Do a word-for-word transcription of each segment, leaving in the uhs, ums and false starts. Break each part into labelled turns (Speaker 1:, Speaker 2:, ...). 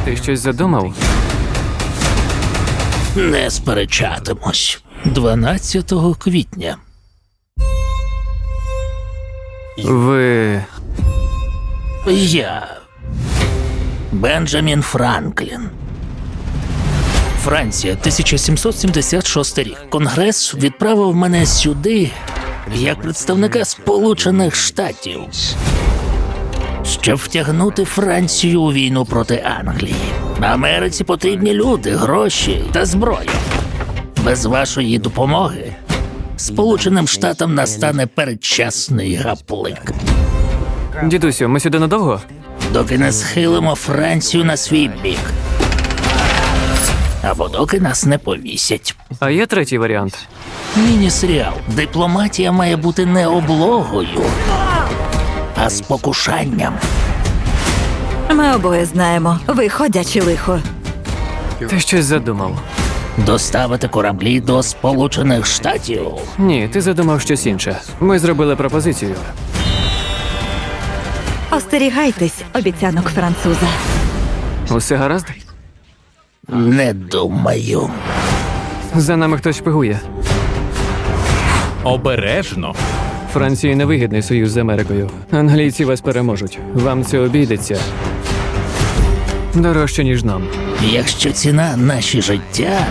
Speaker 1: Ти щось задумав?
Speaker 2: Не сперечатимусь. дванадцятого квітня.
Speaker 1: Ви...
Speaker 2: Я. Бенджамін Франклін. Франція, тисяча сімсот сімдесят шостий рік. Конгрес відправив мене сюди як представника Сполучених Штатів, щоб втягнути Францію у війну проти Англії. Америці потрібні люди, гроші та зброя. Без вашої допомоги Сполученим Штатам настане передчасний гаплик.
Speaker 1: Дідусю, ми сюди надовго?
Speaker 2: Доки не схилимо Францію на свій бік. Або доки нас не повісять.
Speaker 1: А є третій варіант?
Speaker 2: Міні-серіал. Дипломатія має бути не облогою, а спокушанням.
Speaker 3: Ми обоє знаємо, ви ходяче лихо.
Speaker 1: Ти щось задумав.
Speaker 2: Доставити кораблі до Сполучених Штатів.
Speaker 1: Ні, ти задумав щось інше. Ми зробили пропозицію.
Speaker 3: Остерігайтесь обіцянок француза.
Speaker 1: Усе гаразд?
Speaker 2: Не думаю.
Speaker 1: За нами хтось шпигує.
Speaker 4: Обережно.
Speaker 1: Франції невигідний союз з Америкою. Англійці вас переможуть. Вам це обійдеться. Дорожче, ніж нам.
Speaker 2: Якщо ціна наші життя,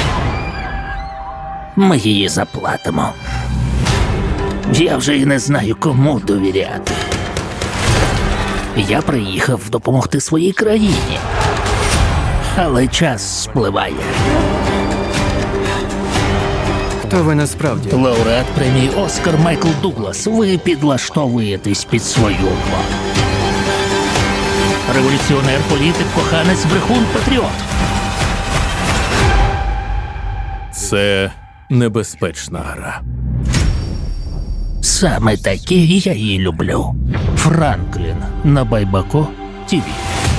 Speaker 2: ми її заплатимо. Я вже і не знаю, кому довіряти. Я приїхав допомогти своїй країні. Але час спливає.
Speaker 1: Хто ви насправді?
Speaker 2: Лауреат премії «Оскар» Майкл Дуглас. Ви підлаштовуєтесь під свою владу. Революціонер, політик, коханець, брехун, патріот.
Speaker 4: Це небезпечна гра.
Speaker 2: Саме такі я її люблю. Франклін на Байбако ТІВІ.